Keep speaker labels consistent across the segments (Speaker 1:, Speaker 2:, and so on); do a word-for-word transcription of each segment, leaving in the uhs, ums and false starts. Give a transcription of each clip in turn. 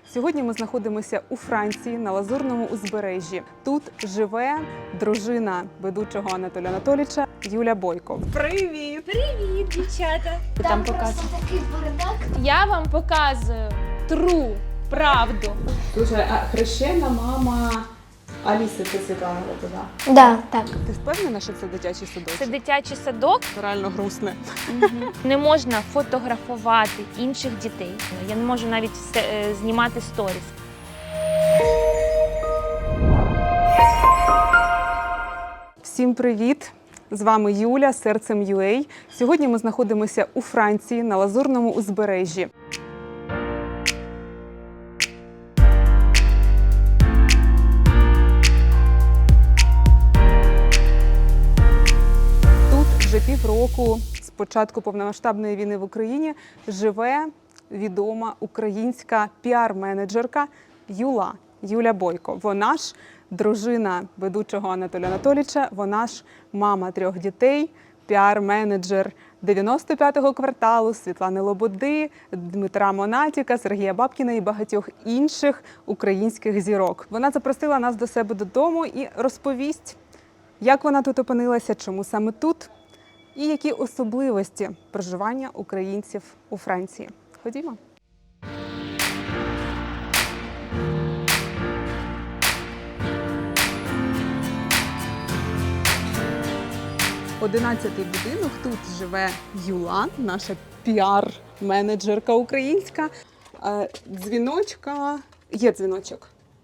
Speaker 1: Сьогодні ми знаходимося у Франції на Лазурному узбережжі. Тут живе дружина ведучого Анатолія Анатолійовича Юля Бойко. Привіт!
Speaker 2: Привіт, дівчата!
Speaker 3: Там,
Speaker 2: Там
Speaker 3: просто
Speaker 2: показую.
Speaker 3: такий бардак.
Speaker 2: Я вам показую тру правду.
Speaker 1: Слушай, а хрещена мама Аліси, це Світлана Лобода.
Speaker 3: Да, так.
Speaker 1: Ти впевнена, що це дитячий садочок?
Speaker 2: Це дитячий садок.
Speaker 1: Це реально грустне.
Speaker 2: Не можна фотографувати інших дітей. Я не можу навіть е, знімати сторіс.
Speaker 1: Всім привіт! З вами Юля, Серцем ю ей. Сьогодні ми знаходимося у Франції на Лазурному узбережжі. Тут вже півроку з початку повномасштабної війни в Україні живе відома українська піар-менеджерка Юла, Юля Бойко. Вона ж дружина ведучого Анатолія Анатолійовича, вона ж мама трьох дітей, піар-менеджер дев'яносто п'ятого кварталу, Світлани Лободи, Дмитра Монатіка, Сергія Бабкіна і багатьох інших українських зірок. Вона запросила нас до себе додому і розповість, як вона тут опинилася, чому саме тут, і які особливості проживання українців у Франції. Ходімо. Одинадцятий будинок, тут живе Юла, наша піар-менеджерка українська. Е, Дзвіночка, є дзвіночок.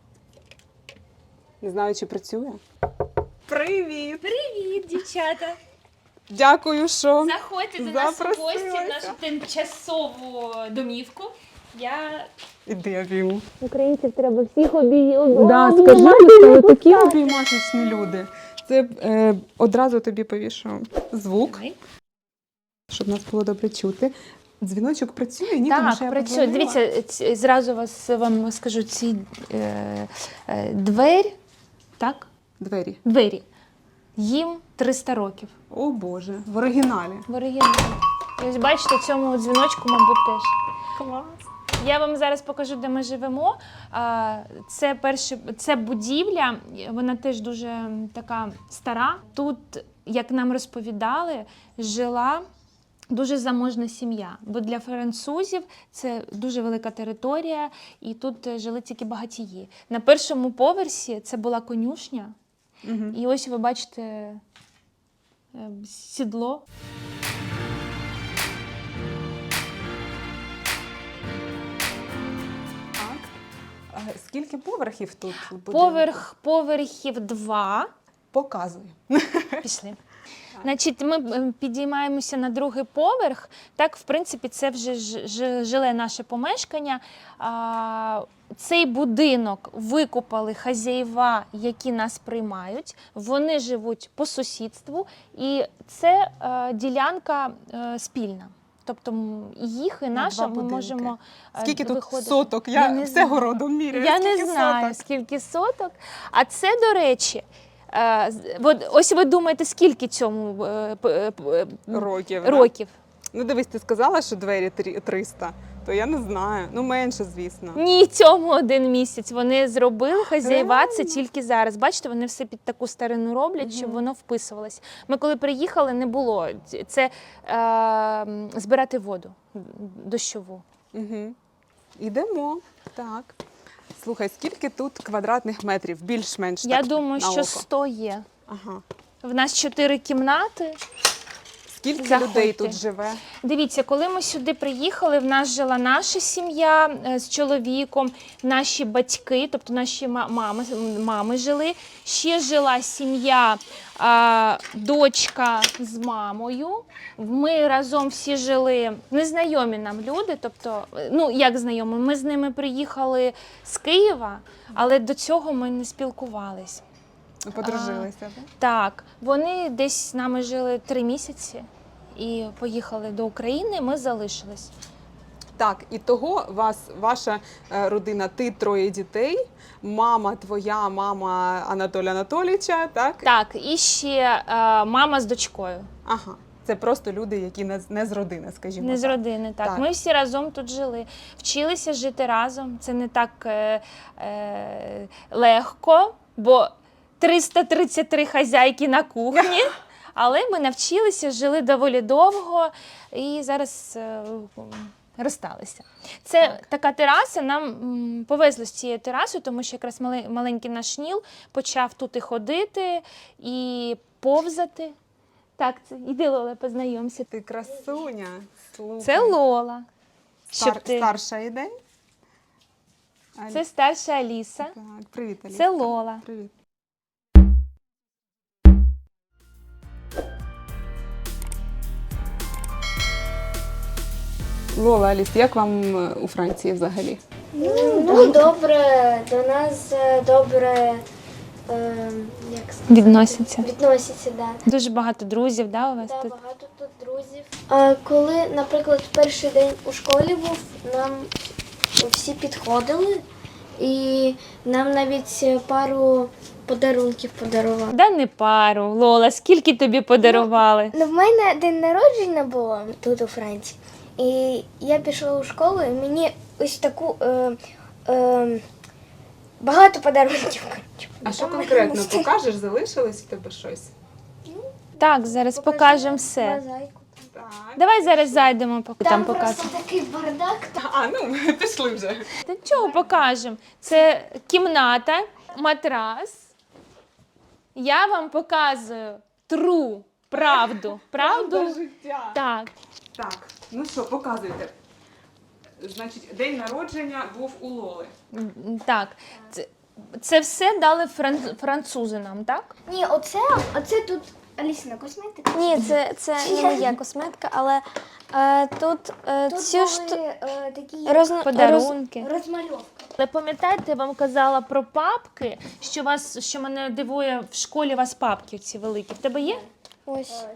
Speaker 1: Не знаю, чи працює. Привіт!
Speaker 2: Привіт, дівчата!
Speaker 1: Дякую, що
Speaker 2: Заходьте до нас у гості в
Speaker 1: запросилася.
Speaker 2: нашу тимчасову домівку. Я...
Speaker 1: Іди, я обійму.
Speaker 2: Українців треба всіх обіймати.
Speaker 1: Да, скажи, але такі обіймашечні люди. Це е, одразу тобі повішу звук, щоб нас було добре чути. Дзвіночок працює? Ні, тому що я
Speaker 2: Так, працює.
Speaker 1: подзвонила.
Speaker 2: Дивіться, ці- зразу вас вам скажу, ці е, е, двері, так?
Speaker 1: Двері.
Speaker 2: Двері. Їм триста років.
Speaker 1: О Боже, в оригіналі.
Speaker 2: В оригіналі. І ось бачите, цьому дзвіночку, мабуть, теж.
Speaker 1: Клас.
Speaker 2: Я вам зараз покажу, де ми живемо. А, Це перше, це будівля, вона теж дуже така стара. Тут, як нам розповідали, жила дуже заможна сім'я. Бо для французів це дуже велика територія, і тут жили тільки багатії. На першому поверсі це була конюшня.
Speaker 1: Угу.
Speaker 2: І ось ви бачите е, сідло.
Speaker 1: Так. А скільки поверхів тут? в будинку?
Speaker 2: Поверх, поверхів два.
Speaker 1: Показуй.
Speaker 2: Пішли. Значить, ми е, підіймаємося на другий поверх. Так, в принципі, це вже ж- ж- жиле наше помешкання. А, цей будинок викупали хазяєва, які нас приймають. Вони живуть по сусідству, і це е, ділянка е, спільна. Тобто м, їх і
Speaker 1: На
Speaker 2: наша
Speaker 1: два
Speaker 2: ми
Speaker 1: будинки.
Speaker 2: можемо е,
Speaker 1: Скільки тут
Speaker 2: виходити.
Speaker 1: соток? Я,
Speaker 2: Я не
Speaker 1: все
Speaker 2: знаю.
Speaker 1: городом міряю.
Speaker 2: Я
Speaker 1: Скільки
Speaker 2: не знаю,
Speaker 1: соток?
Speaker 2: скільки соток. А це, до речі, е, з- от ось ви думаєте, скільки цьому е, п- е,
Speaker 1: Років. да?
Speaker 2: років?
Speaker 1: Ну дивись, ти сказала, що двері трі- триста, то я не знаю. Ну менше, звісно.
Speaker 2: Ні, цьому один місяць. Вони зробили хазяєва, це
Speaker 1: Реально?
Speaker 2: тільки зараз. Бачите, вони все під таку старину роблять, щоб воно вписувалось. Ми коли приїхали, не було. Це е, м, збирати воду дощову.
Speaker 1: Угу. Ідемо. Так. Слухай, скільки тут квадратних метрів? Більш-менш
Speaker 2: Я
Speaker 1: так,
Speaker 2: думаю,
Speaker 1: на
Speaker 2: що
Speaker 1: око.
Speaker 2: сто є.
Speaker 1: Ага.
Speaker 2: В нас чотири кімнати.
Speaker 1: Скільки
Speaker 2: Заходьте.
Speaker 1: людей тут живе?
Speaker 2: Дивіться, коли ми сюди приїхали, в нас жила наша сім'я е, з чоловіком, наші батьки, тобто наші ма- мами, мами жили. Ще жила сім'я, а, дочка з мамою. Ми разом всі жили, незнайомі нам люди, тобто, е, ну як знайомі, ми з ними приїхали з Києва, але до цього ми не спілкувались.
Speaker 1: Ви Подружилися, так?
Speaker 2: Так, вони десь з нами жили три місяці і поїхали до України, ми залишились.
Speaker 1: Так, і того вас, ваша е, родина, ти троє дітей, мама твоя, мама Анатолія Анатолійовича, так?
Speaker 2: Так, і ще е, мама з дочкою.
Speaker 1: Ага. Це просто люди, які не, з- не з родини, скажімо
Speaker 2: Не з
Speaker 1: так.
Speaker 2: родини, так.
Speaker 1: Так.
Speaker 2: Ми всі разом тут жили. Вчилися жити разом. Це не так е, е, легко, бо триста тридцять три хазяйки на кухні. Але ми навчилися, жили доволі довго і зараз е, розсталися. Це
Speaker 1: Так.
Speaker 2: така тераса, нам м, повезло з цією терасою, тому що якраз мале- маленький наш Ніл почав тут і ходити, і повзати. Так, це іди, Лола, познайомся.
Speaker 1: Ти красуня. Слухай.
Speaker 2: Це Лола.
Speaker 1: Стар,
Speaker 2: Щоб ти...
Speaker 1: Старша йде. Алі-
Speaker 2: Це старша Аліса.
Speaker 1: Так, привіт, Аліска.
Speaker 2: Це Лола.
Speaker 1: Привіт. Лола, Аліс, як вам е, у Франції взагалі?
Speaker 3: Ну, добре, до нас е, добре е, як сказати,
Speaker 2: Відносяться.
Speaker 3: відносяться, да.
Speaker 2: Дуже багато друзів, да, у вас
Speaker 3: Да,
Speaker 2: тут?
Speaker 3: багато тут друзів. А коли, наприклад, перший день у школі був, нам всі підходили і нам навіть пару подарунків подарували.
Speaker 2: Да не пару. Лола, скільки тобі подарували?
Speaker 3: Ну, в мене день народження було тут у Франції. І я пішла у школу, і мені ось таку е, е, багато подарунків. коротше,
Speaker 1: А що
Speaker 3: там
Speaker 1: конкретно
Speaker 3: мені
Speaker 1: покажеш? Залишилось в тебе щось?
Speaker 2: Так, зараз покажемо все.
Speaker 3: мозаїку.
Speaker 1: Так.
Speaker 2: Давай зараз зайдемо, поки там,
Speaker 3: Там
Speaker 2: покажемо.
Speaker 3: просто такий бардак.
Speaker 1: А, ну, пішли вже.
Speaker 2: Та чого покажемо? Це кімната, матрас. Я вам показую тру, правду. Правду?
Speaker 1: життя.
Speaker 2: Так.
Speaker 1: Так, ну що, показуйте. Значить, день народження був у Лоли.
Speaker 2: М, Так. Це, це все дали фран- французи нам, так?
Speaker 3: Ні, оце, оце тут Алісина косметика.
Speaker 4: Ні, це, це не моя косметика, але е, тут, е,
Speaker 3: Тут
Speaker 4: цю
Speaker 3: були
Speaker 4: шту...
Speaker 3: е, такі
Speaker 4: розно- роз...
Speaker 2: Подарунки.
Speaker 3: розмальовки.
Speaker 2: Але пам'ятаєте, я вам казала про папки, що вас, що мене дивує, в школі у вас папки ці великі. В тебе є?
Speaker 4: Ось.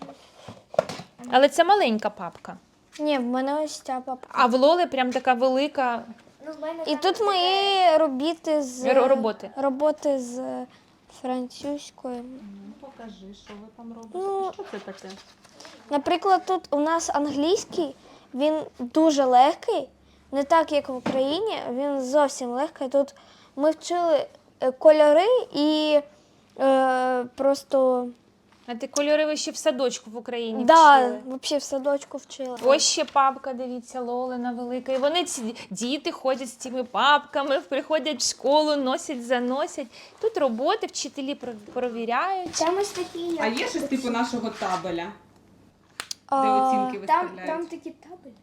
Speaker 2: Але це маленька папка.
Speaker 4: Ні, в мене ось ця папка.
Speaker 2: А в Лоли прям така велика.
Speaker 3: Ну, в мене
Speaker 4: І
Speaker 3: там
Speaker 4: тут
Speaker 3: така-
Speaker 4: мої робіти з
Speaker 2: Ро- роботи.
Speaker 4: роботи з французькою.
Speaker 1: Покажи, що ви там робите.
Speaker 4: Ну,
Speaker 1: Що це таке?
Speaker 4: Наприклад, тут у нас англійський, він дуже легкий, не так, як в Україні, він зовсім легкий. Тут ми вчили е, кольори і е, просто
Speaker 2: А ти кольори ви ще в садочку в Україні
Speaker 4: да,
Speaker 2: вчили.
Speaker 4: взагалі в садочку вчила.
Speaker 2: Ось ще папка, дивіться, Лолина велика. І вони ці діти ходять з цими папками, приходять в школу, носять, заносять. Тут роботи, вчителі про- провіряють.
Speaker 3: Там ось такі.
Speaker 1: А
Speaker 3: як-
Speaker 1: є щось типу нашого табеля, де
Speaker 4: А,
Speaker 1: оцінки
Speaker 3: Там,
Speaker 1: виставляють?
Speaker 3: там такі табелі.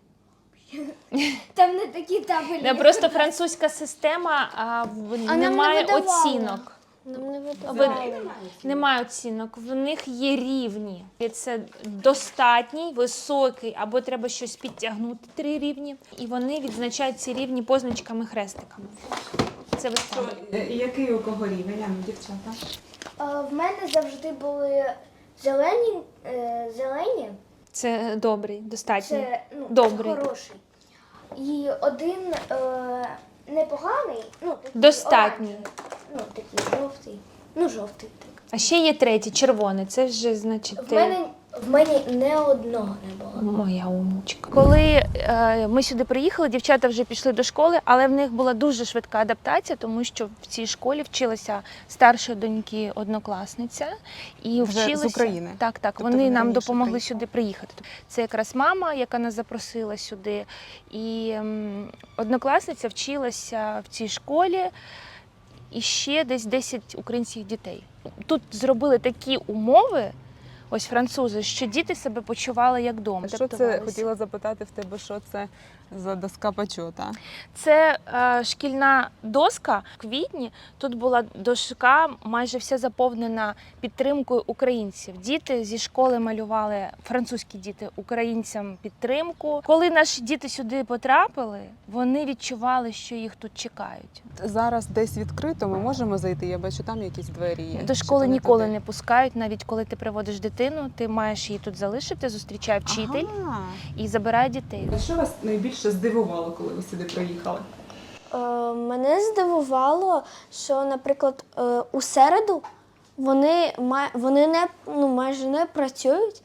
Speaker 3: Там не такі табелі.
Speaker 2: Не, просто французька система, а в-
Speaker 4: А нам не
Speaker 2: немає
Speaker 4: видавали.
Speaker 2: оцінок.
Speaker 4: Нам не
Speaker 2: Ви-
Speaker 4: видавали.
Speaker 2: Немає оцінок, в них є рівні. І це достатній, високий, або треба щось підтягнути три рівні. І вони відзначають ці рівні позначками, хрестиками. Це виставлено.
Speaker 1: Е, і Який у кого рівень, а ну, дівчата?
Speaker 3: А, в мене завжди були зелені, е, зелені.
Speaker 2: Це добрий, достатній.
Speaker 3: Це ну,
Speaker 2: Добрий.
Speaker 3: хороший. І один е, непоганий, ну такий
Speaker 2: Достатній.
Speaker 3: оранжевий. Ну, такий жовтий. Ну, жовтий так.
Speaker 2: А ще є третій, червоний. Це вже, значить,
Speaker 3: В
Speaker 2: ти...
Speaker 3: мене, в мене не одного не було.
Speaker 2: Моя умничка. Коли е, ми сюди приїхали, дівчата вже пішли до школи, але в них була дуже швидка адаптація, тому що в цій школі вчилася старша доньки однокласниця і
Speaker 1: Вже з
Speaker 2: вчилися
Speaker 1: України?
Speaker 2: Так, так.
Speaker 1: Тобто
Speaker 2: вони
Speaker 1: вони
Speaker 2: нам
Speaker 1: раніше
Speaker 2: допомогли
Speaker 1: приїхали?
Speaker 2: сюди приїхати. Це якраз мама, яка нас запросила сюди, і ем, однокласниця вчилася в цій школі. І ще десь десять українських дітей. Тут зробили такі умови, ось французи, що діти себе почували як вдома.
Speaker 1: Що це, хотіла запитати в тебе, що це за доска почота?
Speaker 2: Це е, шкільна доска в квітні. Тут була дошка майже вся заповнена підтримкою українців. Діти зі школи малювали, французькі діти, українцям підтримку. Коли наші діти сюди потрапили, вони відчували, що їх тут чекають.
Speaker 1: Зараз десь відкрито, ми можемо зайти, я бачу, там якісь двері є.
Speaker 2: До
Speaker 1: Чи
Speaker 2: школи
Speaker 1: то не
Speaker 2: ніколи
Speaker 1: туди?
Speaker 2: не пускають, навіть коли ти приводиш дитину, ти маєш її тут залишити, зустрічає вчитель
Speaker 1: Ага.
Speaker 2: і забирає дітей.
Speaker 1: А що вас найбільше здивувало, коли ви сюди приїхали?
Speaker 4: Е, мене здивувало, що, наприклад, е, у середу вони, ма- вони не, ну, майже не працюють,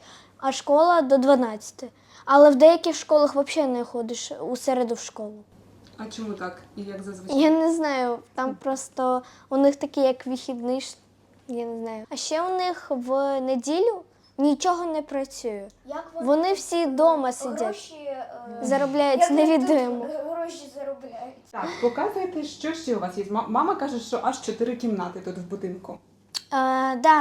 Speaker 4: а школа до дванадцяти. Але в деяких школах взагалі не ходиш у середу в школу.
Speaker 1: А чому так? І як зазвичай?
Speaker 4: Я не знаю, там просто у них такий як вихідний, ш- я не знаю. А ще у них в неділю нічого не працює. Вони всі вдома сидять, заробляють невідомо.
Speaker 3: Гроші заробляють.
Speaker 1: Так, показуйте, що ще у вас є. Ма- Мама каже, що аж чотири кімнати тут в будинку.
Speaker 4: А, да.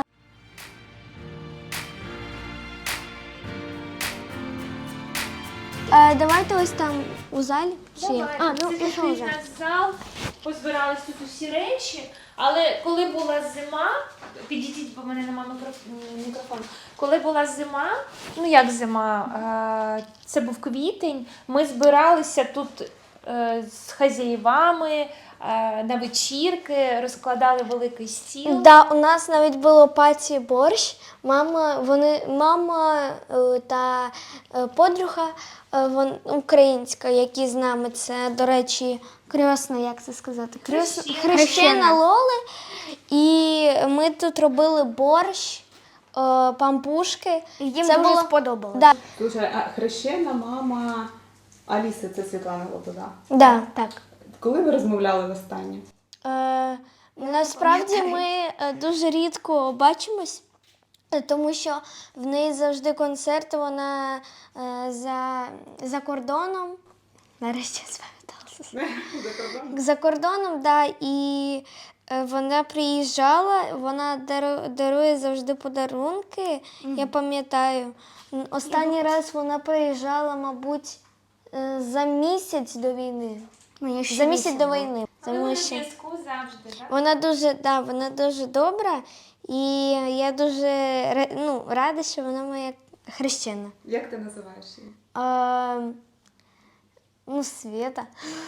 Speaker 4: А, давайте ось там у залі. Чи як? А, ну
Speaker 2: Це
Speaker 4: пішов
Speaker 2: такий
Speaker 4: вже.
Speaker 2: в нас зал, позбирались тут усі речі, але коли була зима, підійдіть, бо в мене немає мікроф- мікрофону. Коли була зима, ну як зима, е, це був квітень, ми збиралися тут е, з хазяївами е, на вечірки, розкладали великий стіл.
Speaker 4: Да, у нас навіть було паті борщ. Мама, вони, мама е, та е, подруга е, вон, українська, які з нами, це, до речі, крьосна, як це сказати? Крьосна,
Speaker 2: Хрещена.
Speaker 4: хрещена Лоли. І ми тут робили борщ, е, пампушки.
Speaker 3: Їм
Speaker 4: це
Speaker 3: дуже
Speaker 4: було
Speaker 3: сподобалось.
Speaker 4: Да,
Speaker 1: Слушай, а хрещена мама Аліси, це Світлана Лобода.
Speaker 4: да, так.
Speaker 1: Коли ви розмовляли востаннє?
Speaker 4: Е, насправді ми е, дуже рідко бачимось, е, тому що в неї завжди концерти, вона е, за, за кордоном. Нарешті я спам'яталася. За кордоном, да, і е, вона приїжджала, вона дару- дарує завжди подарунки, я пам'ятаю. М, Останній раз вона приїжджала, мабуть, е, за місяць до війни. За місяць до війни.
Speaker 2: Але
Speaker 4: Тому
Speaker 2: на
Speaker 4: що
Speaker 2: зв'язку завжди, так?
Speaker 4: вона дуже, да, вона дуже добра, і я дуже ра- ну, рада, що вона моя хрещена.
Speaker 1: Як ти називаєш її?
Speaker 4: А, ну, Света.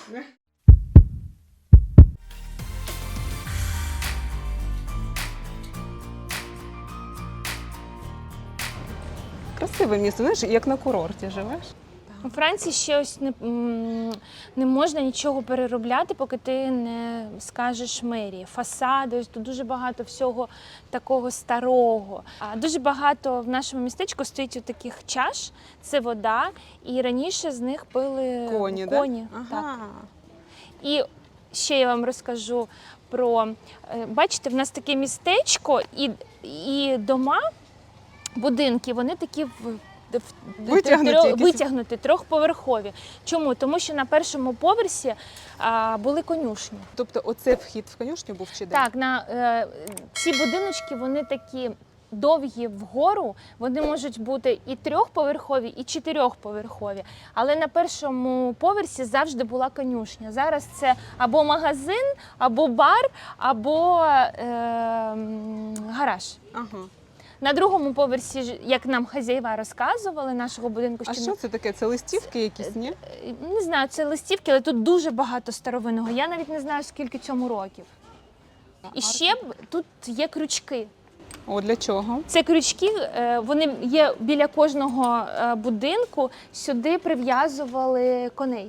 Speaker 1: Красиве місто, знаєш, як на курорті живеш.
Speaker 2: У Франції ще ось не, м, не можна нічого переробляти, поки ти не скажеш мерії. Фасади, ось тут дуже багато всього такого старого. А дуже багато в нашому містечку стоїть таких чаш, це вода, і раніше з них пили
Speaker 1: Коні,
Speaker 2: коні.
Speaker 1: да?
Speaker 2: Так.
Speaker 1: Ага.
Speaker 2: І ще я вам розкажу про, е, бачите, в нас таке містечко, і, і дома, будинки, вони такі в, в,
Speaker 1: Витягнуті
Speaker 2: трьох-
Speaker 1: якісь.
Speaker 2: витягнуті, трьохповерхові. Чому? Тому що на першому поверсі а, були конюшні.
Speaker 1: Тобто оце вхід в конюшню був чи де?
Speaker 2: Так, на е, ці будиночки, вони такі довгі вгору, вони можуть бути і трьохповерхові, і чотирьохповерхові. Але на першому поверсі завжди була конюшня. Зараз це або магазин, або бар, або е, м, гараж.
Speaker 1: Ага.
Speaker 2: На другому поверсі, ж, як нам хазяїва розказували, нашого будинку,
Speaker 1: А
Speaker 2: що
Speaker 1: що це таке? Це листівки якісь, ні?
Speaker 2: не знаю, це листівки, але тут дуже багато старовинного. Я навіть не знаю, скільки цьому років. І ще б тут є крючки.
Speaker 1: О, для чого?
Speaker 2: Це крючки, е, вони є біля кожного е, будинку, сюди прив'язували коней.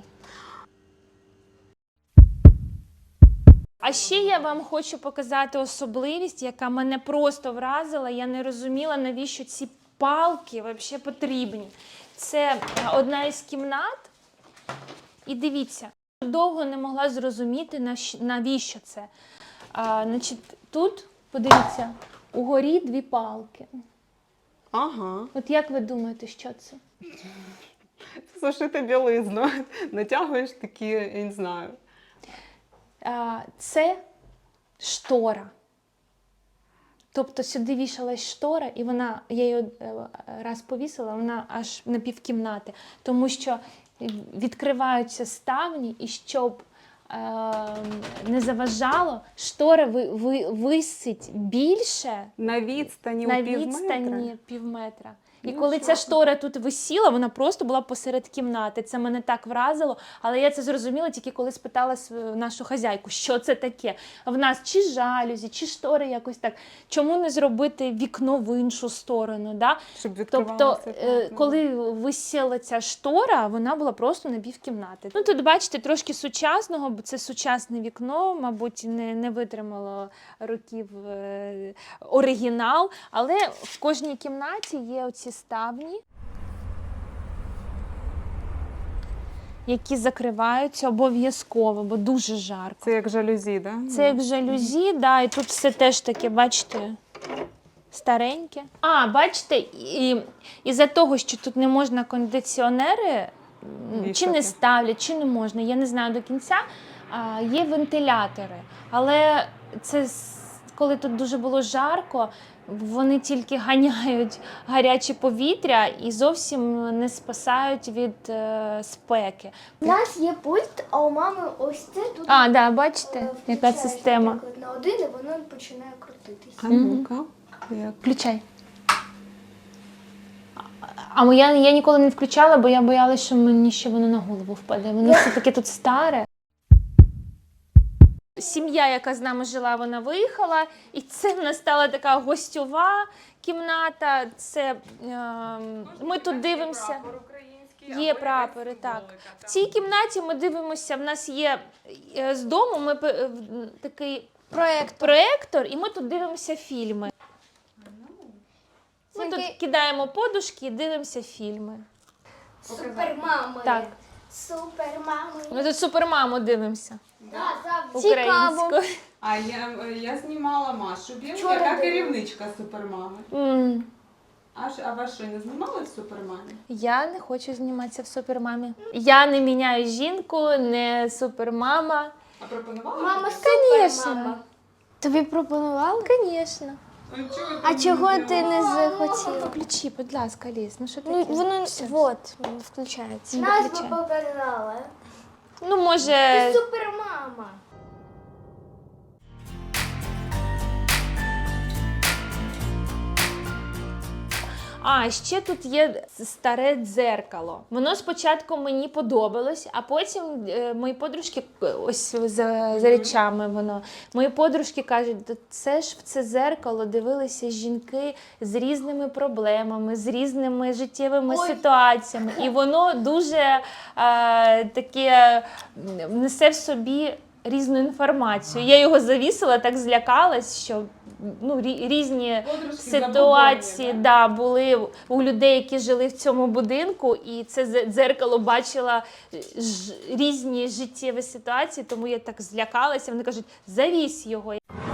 Speaker 2: А ще я вам хочу показати особливість, яка мене просто вразила. Я не розуміла, навіщо ці палки взагалі потрібні. Це одна із кімнат. І дивіться, довго не могла зрозуміти, наш- навіщо це. А, значить, тут, подивіться, угорі дві палки.
Speaker 1: Ага.
Speaker 2: От як ви думаєте, що це?
Speaker 1: Сушити білизну. Натягуєш такі, я не знаю.
Speaker 2: А, це штора. Тобто сюди вішалась штора, і вона, я її е, раз повісила, вона аж на півкімнати. Тому що відкриваються ставні, і щоб е, не заважало, штора ви, ви, висить більше
Speaker 1: На відстані
Speaker 2: на
Speaker 1: у пів метра?
Speaker 2: відстані півметра. І
Speaker 1: Ну,
Speaker 2: коли
Speaker 1: що
Speaker 2: ця
Speaker 1: ти?
Speaker 2: штора тут висіла, вона просто була посеред кімнати. Це мене так вразило, але я це зрозуміла тільки коли спитала св- нашу хазяйку, що це таке. А в нас чи жалюзі, чи штори якось так. Чому не зробити вікно в іншу сторону? Да?
Speaker 1: Щоб
Speaker 2: Тобто,
Speaker 1: відкривалося.
Speaker 2: е,
Speaker 1: так, ну.
Speaker 2: коли висіла ця штора, вона була просто на півкімнати. Ну, тут, бачите, трошки сучасного, бо це сучасне вікно, мабуть, не, не витримало років е, оригінал, але в кожній кімнаті є оці ставні, які закриваються обов'язково, бо дуже жарко.
Speaker 1: Це як жалюзі, да?
Speaker 2: Це як жалюзі, да, і тут все теж таке, бачите, стареньке. А, бачите, і, із-за того, що тут не можна кондиціонери, м, чи
Speaker 1: Вішати.
Speaker 2: не ставлять, чи не можна, я не знаю до кінця, а, є вентилятори. Але це с- коли тут дуже було жарко, вони тільки ганяють гаряче повітря і зовсім не спасають від е, спеки.
Speaker 3: У нас є пульт, а у мами ось це тут.
Speaker 2: А, да, бачите,
Speaker 3: е,
Speaker 2: яка
Speaker 3: включаєш,
Speaker 2: система.
Speaker 3: наприклад, на один, і воно починає крутитись.
Speaker 1: А ну-ка. Як?
Speaker 2: Включай. А моя я ніколи не включала, бо я боялася, що мені ще воно на голову впаде. Воно все-таки тут старе. Сім'я, яка з нами жила, вона виїхала, і це в нас стала така гостьова кімната. Це е, ми тут дивимося. Є прапори, так. В цій кімнаті ми дивимося, в нас є е, з дому ми пе- е, в- такий проєктор, проєктор, і ми тут дивимося фільми. Ми тут кидаємо подушки і дивимося фільми.
Speaker 3: Супермами.
Speaker 2: Так.
Speaker 3: Супермами.
Speaker 2: Ми тут супермаму дивимося.
Speaker 3: Да, завжди.
Speaker 2: Українською.
Speaker 1: А я, я знімала Машу Білу,
Speaker 3: Вчора
Speaker 1: яка
Speaker 3: була.
Speaker 1: керівничка Супермами.
Speaker 2: М,
Speaker 1: А, ж- а вас що, не знімали в Супермамі?
Speaker 2: Я не хочу зніматися в супермамі. Я не міняю жінку, не супермама.
Speaker 1: А пропонували?
Speaker 3: Мама
Speaker 2: Конечно.
Speaker 3: супермама.
Speaker 4: Тобі пропонували?
Speaker 2: Звісно.
Speaker 1: А чого ви
Speaker 4: А
Speaker 1: там
Speaker 4: чого
Speaker 1: не
Speaker 4: ти не захотіла?
Speaker 2: Включи, будь ласка, Ліз. Ну що
Speaker 4: Ну,
Speaker 2: таке?
Speaker 4: воно
Speaker 2: Все.
Speaker 4: вот, воно включається.
Speaker 3: Нас би
Speaker 2: Виключай.
Speaker 3: показала.
Speaker 2: Ну, може.
Speaker 3: Ти супермама.
Speaker 2: А, ще тут є старе дзеркало. Воно спочатку мені подобалось, а потім е, мої подружки, е, ось за, за речами воно, мої подружки кажуть, «Да це ж в це дзеркало дивилися жінки з різними проблемами, з різними життєвими
Speaker 3: Ой.
Speaker 2: ситуаціями. І воно дуже е, таке м, несе в собі різну інформацію. Я його завісила, так злякалась, що ну, рі- різні
Speaker 1: Подружки
Speaker 2: ситуації
Speaker 1: забобонні,
Speaker 2: да, були у людей, які жили в цьому будинку, і це зе- дзеркало бачила ж, різні життєві ситуації, тому я так злякалася. Вони кажуть, завісь його.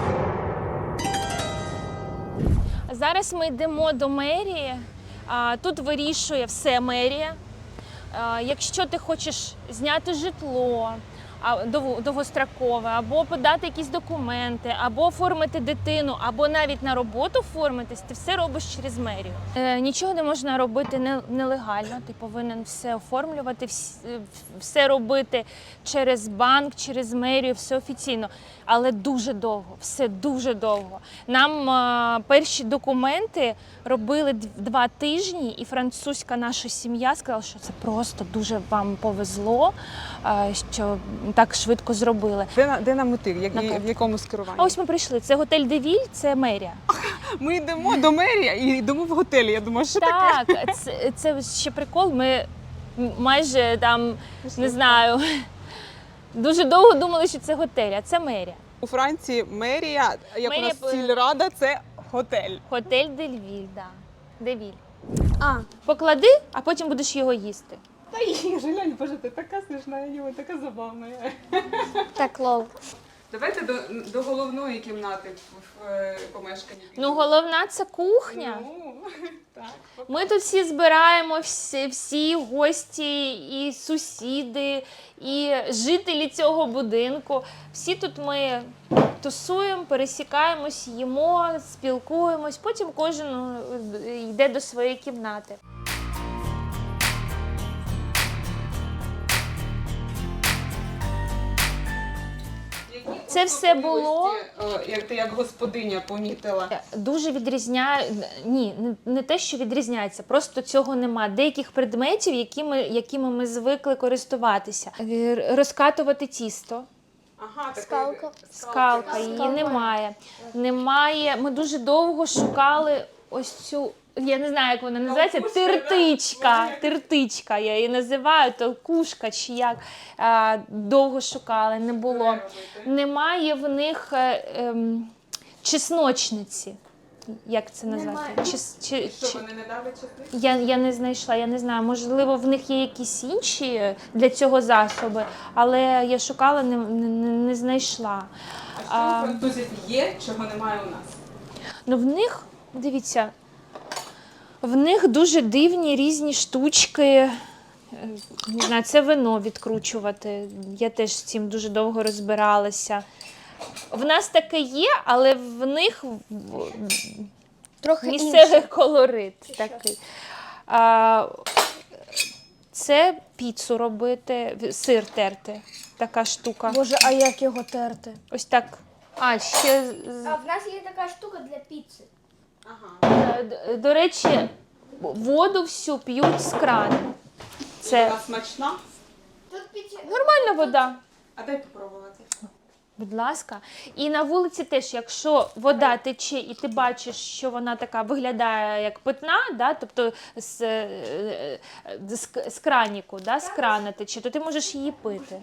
Speaker 2: Зараз ми йдемо до мерії. А, Тут вирішує все мерія. А, Якщо ти хочеш зняти житло, а, дов- довгострокове, або подати якісь документи, або оформити дитину, або навіть на роботу оформитись, ти все робиш через мерію. Е, нічого не можна робити не- нелегально, ти повинен все оформлювати, вс- е, все робити через банк, через мерію, все офіційно. Але дуже довго, все дуже довго. Нам е, перші документи робили дв- два тижні, і французька наша сім'я сказала, що це просто дуже вам повезло, е, що так швидко зробили.
Speaker 1: Де, на- де нам мотив? Як,
Speaker 2: На
Speaker 1: в якому скеруванні?
Speaker 2: А ось ми прийшли. Це готель Девіль, це мерія.
Speaker 1: Ми йдемо до мерії і йдемо в готелі. Я думаю, що таке?
Speaker 2: Так, це, це ще прикол. Ми м- майже там, не знаю, дуже довго думали, що це готель, а це мерія.
Speaker 1: У Франції мерія, як
Speaker 2: Мерія
Speaker 1: у нас
Speaker 2: по-
Speaker 1: сільрада, це готель.
Speaker 2: Готель Девіль, да. Девіль.
Speaker 1: А,
Speaker 2: Поклади, а потім будеш його їсти.
Speaker 1: та їй, Жилянь, боже, ти така смішна, Юля, така забавна.
Speaker 4: Так, лол.
Speaker 1: Давайте до, до головної кімнати в, в е, помешканні.
Speaker 2: Ну, головна це кухня.
Speaker 1: Ну, так.
Speaker 2: Ми тут всі збираємо, всі, всі гості, і сусіди, і жителі цього будинку. Всі тут ми тусуємо, пересікаємось, їмо, спілкуємось, потім кожен е, йде до своєї кімнати. Це все було.
Speaker 1: Особливості, е, Як ти як господиня помітила.
Speaker 2: Дуже відрізняє, ні, не, не те, що відрізняється, просто цього нема. Деяких предметів, якими, якими ми звикли користуватися. Е, Розкатувати тісто.
Speaker 1: Ага, такий-
Speaker 4: Скалка.
Speaker 2: Скалка, її немає. Немає. Ми дуже довго шукали ось цю. Я не знаю, як вона називається.
Speaker 1: Толкушка,
Speaker 2: Тертичка.
Speaker 1: да?
Speaker 2: Тертичка, я її називаю, толкушка чи як. А, довго шукали, не було.
Speaker 1: робити?
Speaker 2: Немає в них е, ем, чесночниці. Як це назвати?
Speaker 3: Немає.
Speaker 2: Чи, чи,
Speaker 1: Що
Speaker 2: чи...
Speaker 1: вони не давлять часи?
Speaker 2: Я, я не знайшла, я не знаю, можливо, в них є якісь інші для цього засоби, але я шукала, не, не, не знайшла.
Speaker 1: А що у французів є, чого немає у нас?
Speaker 2: Ну, в них, дивіться, в них дуже дивні різні штучки. Е, Не знаю, це вино відкручувати. Я теж з цим дуже довго розбиралася. В нас таке є, але в них в-
Speaker 4: Трохи
Speaker 2: місцевий
Speaker 4: інше.
Speaker 2: колорит такий. А, це піцу робити, в- сир терти. Така штука.
Speaker 4: Боже, а як його терти?
Speaker 2: Ось так. А, ще з-
Speaker 3: А в нас є така штука для піци.
Speaker 1: Ага.
Speaker 2: Е, д- До речі, воду всю п'ють з крану. Це
Speaker 1: Вона смачна?
Speaker 3: Тут піця.
Speaker 2: нормальна вода.
Speaker 1: А дай попробувати.
Speaker 2: Будь ласка. І на вулиці теж, якщо вода тече і ти бачиш, що вона така виглядає як питна, да, тобто з, е, е, з, к- з краніку, да, з крана тече, то ти можеш її пити.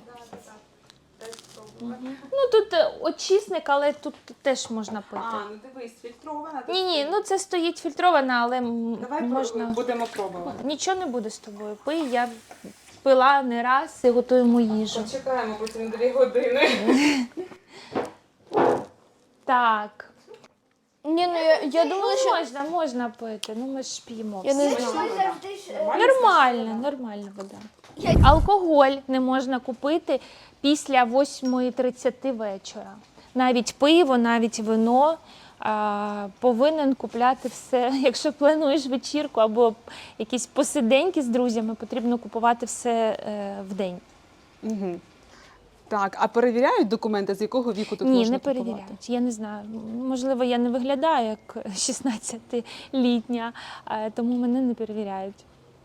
Speaker 2: Ну тут е, очисник, але тут теж можна пити.
Speaker 1: А, ну дивись, фільтрована.
Speaker 2: Ні, ні, ну це стоїть фільтрована, але м,
Speaker 1: Давай
Speaker 2: можна.
Speaker 1: можна... будемо пробувати.
Speaker 2: Нічого не буде з тобою. Пий, я пила не раз і готуємо їжу.
Speaker 1: Почекаємо потім дві години.
Speaker 2: Так.
Speaker 4: Ні, ну я, я думала,
Speaker 2: Ну,
Speaker 4: що
Speaker 2: можна, можна пити. Ну ми ж п'ємо.
Speaker 4: Я не
Speaker 2: всі.
Speaker 4: знаю.
Speaker 3: Ми завжди ж. е,
Speaker 2: Нормально, нормальна вода. Алкоголь не можна купити після восьмої тридцяти вечора. Навіть пиво, навіть вино. А, повинен купляти все. Якщо плануєш вечірку або якісь посиденьки з друзями, потрібно купувати все е, в день.
Speaker 1: Угу. Так, а перевіряють документи, з якого віку тут
Speaker 2: Ні,
Speaker 1: можна
Speaker 2: не
Speaker 1: купувати?
Speaker 2: перевіряють. Я не знаю. Можливо, я не виглядаю як шістнадцятилітня, е, тому мене не перевіряють.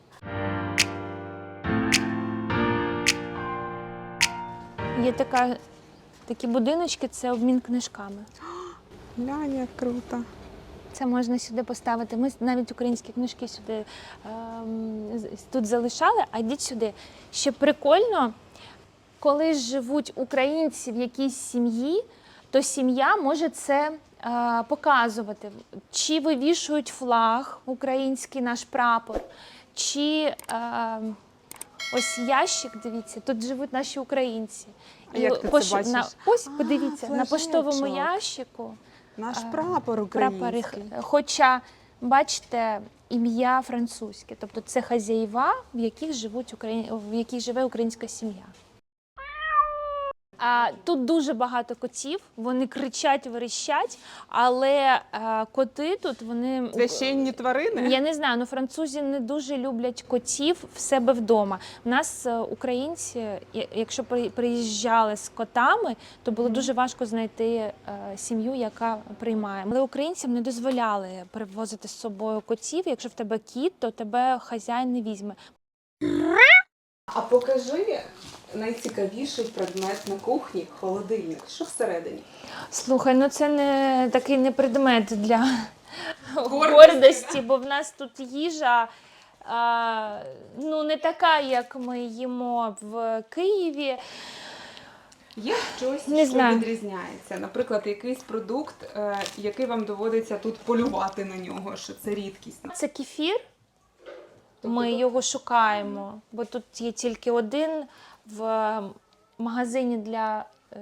Speaker 2: Є така, такі будиночки, це обмін книжками.
Speaker 1: Глянь, як круто.
Speaker 2: Це можна сюди поставити. Ми навіть українські книжки сюди ем, з- тут залишали, а йдіть сюди. Ще прикольно, коли живуть українці в якійсь сім'ї, то сім'я може це е, показувати. Чи вивішують флаг, український наш прапор, чи е, ось ящик, дивіться, тут живуть наші українці.
Speaker 1: А як ти це
Speaker 2: пош-
Speaker 1: бачиш?
Speaker 2: На, ось,
Speaker 1: А,
Speaker 2: подивіться, на поштовому
Speaker 1: флажечок.
Speaker 2: ящику.
Speaker 1: Наш
Speaker 2: А,
Speaker 1: прапор
Speaker 2: Прапори,
Speaker 1: український.
Speaker 2: хоча, бачите, ім'я французьке, тобто це хазяїва, в яких живуть Украї... в яких живе українська сім'я. А, тут дуже багато котів, вони кричать, верещать, але а, коти тут вони
Speaker 1: Священні тварини?
Speaker 2: я не знаю, ну французи не дуже люблять котів в себе вдома. У нас е, українці, я- якщо при- приїжджали з котами, то було дуже важко знайти е, сім'ю, яка приймає. Але українцям не дозволяли привозити з собою котів. Якщо в тебе кіт, то тебе хазяїн не візьме.
Speaker 1: А покажи найцікавіший предмет на кухні – холодильник. Що всередині?
Speaker 2: Слухай, ну це не такий не предмет для
Speaker 1: Гордості,
Speaker 2: гордості, бо в нас тут їжа а, ну не така, як ми їмо в Києві.
Speaker 1: Є щось,
Speaker 2: Не
Speaker 1: що
Speaker 2: знаю.
Speaker 1: відрізняється? Наприклад, якийсь продукт, е, який вам доводиться тут полювати на нього, що це рідкість.
Speaker 2: Це кефір. Ми його шукаємо, бо тут є тільки один в магазині для, е,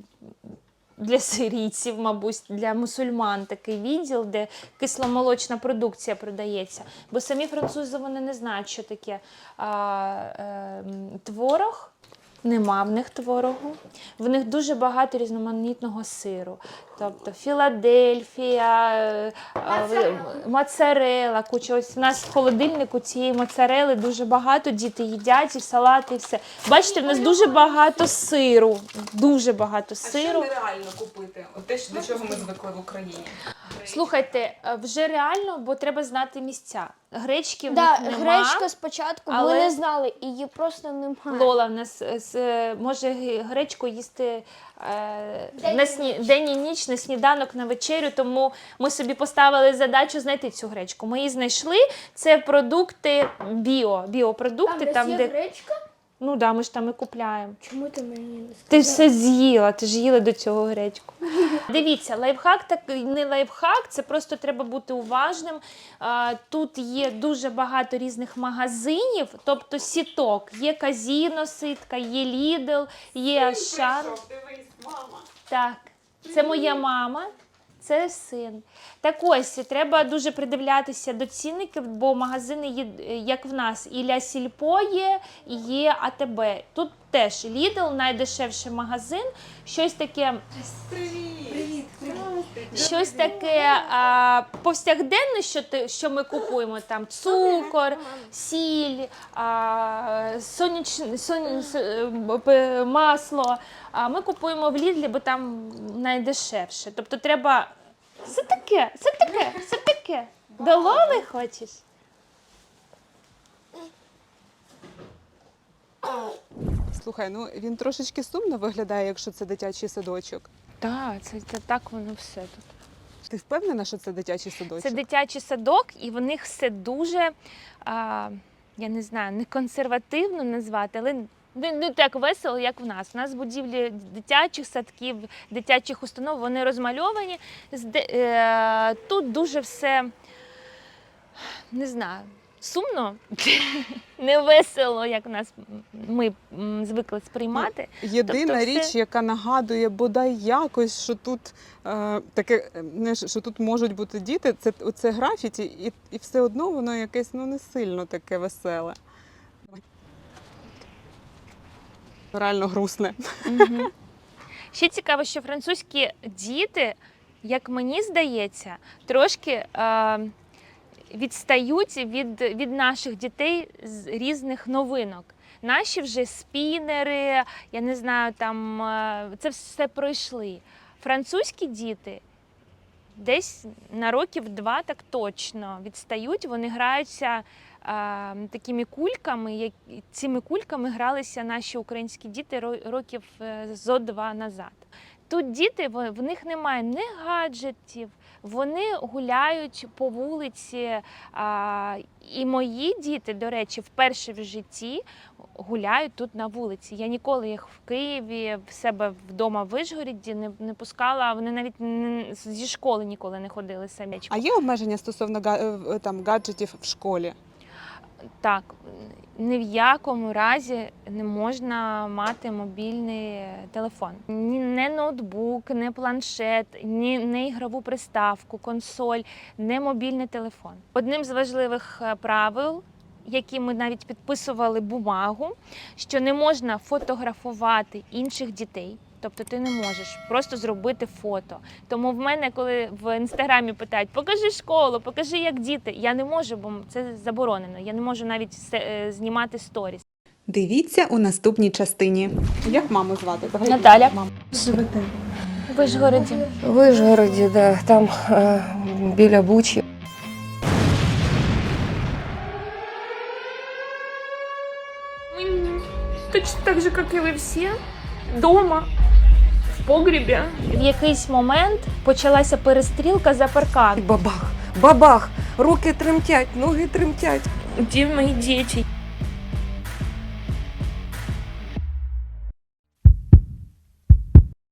Speaker 2: для сирійців, мабуть, для мусульман такий відділ, де кисломолочна продукція продається. Бо самі французи вони не знають, що таке а, е, творог. Нема в них творогу. В них дуже багато різноманітного сиру. Тобто Філадельфія, е, е, моцарела, куча. Ось в нас в холодильнику цієї моцарели дуже багато, діти їдять, і салати, і все. Бачите, в нас дуже багато сиру. Дуже багато
Speaker 1: А що
Speaker 2: сиру.
Speaker 1: нереально купити? От те, до чого ми звикли в Україні.
Speaker 2: Слухайте, е, вже реально, бо треба знати місця. Гречки в
Speaker 4: да,
Speaker 2: них нема.
Speaker 4: гречка спочатку
Speaker 2: але-
Speaker 4: ми не знали, і її просто немає.
Speaker 2: Лола в нас е, з- е, може г- гречку їсти е, на сні... день і ніч, на сніданок, на вечерю, тому ми собі поставили задачу знайти цю гречку. Ми її знайшли. Це продукти біо, біопродукти, там, де
Speaker 3: гречка?
Speaker 2: ну да, ми ж там і купляємо.
Speaker 3: Чому ти мені не сказала?
Speaker 2: Ти все з'їла, ти ж їла до цього гречку. Дивіться, лайфхак так не лайфхак, це просто треба бути уважним. А, Тут є дуже багато різних магазинів, тобто сіток. Є Казіно ситка, є Лідл, є Шар.
Speaker 1: Дивись, мама.
Speaker 2: Так, це моя мама, це син. Так ось, треба дуже придивлятися до цінників, бо магазини є, як в нас, і Ля Сільпо є, і є А Те Бе. Тут теж Лідл, найдешевший магазин, щось таке...
Speaker 1: Привіт.
Speaker 2: Щось таке а, повсякденне, що, ти, що ми купуємо, там цукор, сіль, а, соняч, сон, с- масло, а ми купуємо в Лідлі, бо там найдешевше. Тобто треба, це таке, це таке, це таке, до Лоли хочеш?
Speaker 1: Слухай, ну він трошечки сумно виглядає, якщо це дитячий садочок.
Speaker 2: Так, це, це так воно все тут.
Speaker 1: Ти впевнена, що це дитячий садочок?
Speaker 2: Це дитячий садок, і в них все дуже, а, я не знаю, не консервативно назвати, але не, не так весело, як в нас. У нас будівлі дитячих садків, дитячих установ, вони розмальовані. Зде- е, Тут дуже все, не знаю, сумно, не весело, як в нас ми м, звикли сприймати.
Speaker 1: Єдина
Speaker 2: Тобто
Speaker 1: річ,
Speaker 2: все-
Speaker 1: яка нагадує бодай якось, що тут е, таке, е, не, що тут можуть бути діти, це оце графіті, і, і все одно воно якесь ну не сильно таке веселе. Реально грустне.
Speaker 2: Мгм. Ще цікаво, що французькі діти, як мені здається, трошки е, відстають від, від наших дітей з різних новинок. Наші вже спінери, я не знаю, там е, це все пройшли. Французькі діти десь на років два так точно відстають. Вони граються а, такими кульками, як цими кульками гралися наші українські діти ро- років е, зо два назад. Тут діти, в в них немає ні гаджетів, вони гуляють по вулиці. А, і мої діти, до речі, вперше в житті гуляють тут на вулиці. Я ніколи їх в Києві, в себе вдома в Вишгороді не, не пускала. Вони навіть не, зі школи ніколи не ходили самі.
Speaker 1: А є обмеження стосовно га- е, там, гаджетів в школі?
Speaker 2: Так, ні в якому разі не можна мати мобільний телефон. Ні, не ноутбук, не планшет, ні не ігрову приставку, консоль, не мобільний телефон. Одним з важливих е, правил, які ми навіть підписували бумагу, що не можна фотографувати інших дітей. Тобто ти не можеш просто зробити фото. Тому в мене, коли в інстаграмі питають, покажи школу, покажи, як діти, я не можу, бо це заборонено. Я не можу навіть се- е, знімати сторіс.
Speaker 1: Дивіться у наступній частині. Як маму звати?
Speaker 2: Наталя, живете в Вишгороді.
Speaker 5: В Вишгороді, да, там е, біля Бучі.
Speaker 2: Точно так же, як і ви всі, вдома, в погрібі. В якийсь момент почалася перестрілка за паркан.
Speaker 5: Бабах, бабах, руки тремтять, ноги тремтять.
Speaker 2: Де мої діти?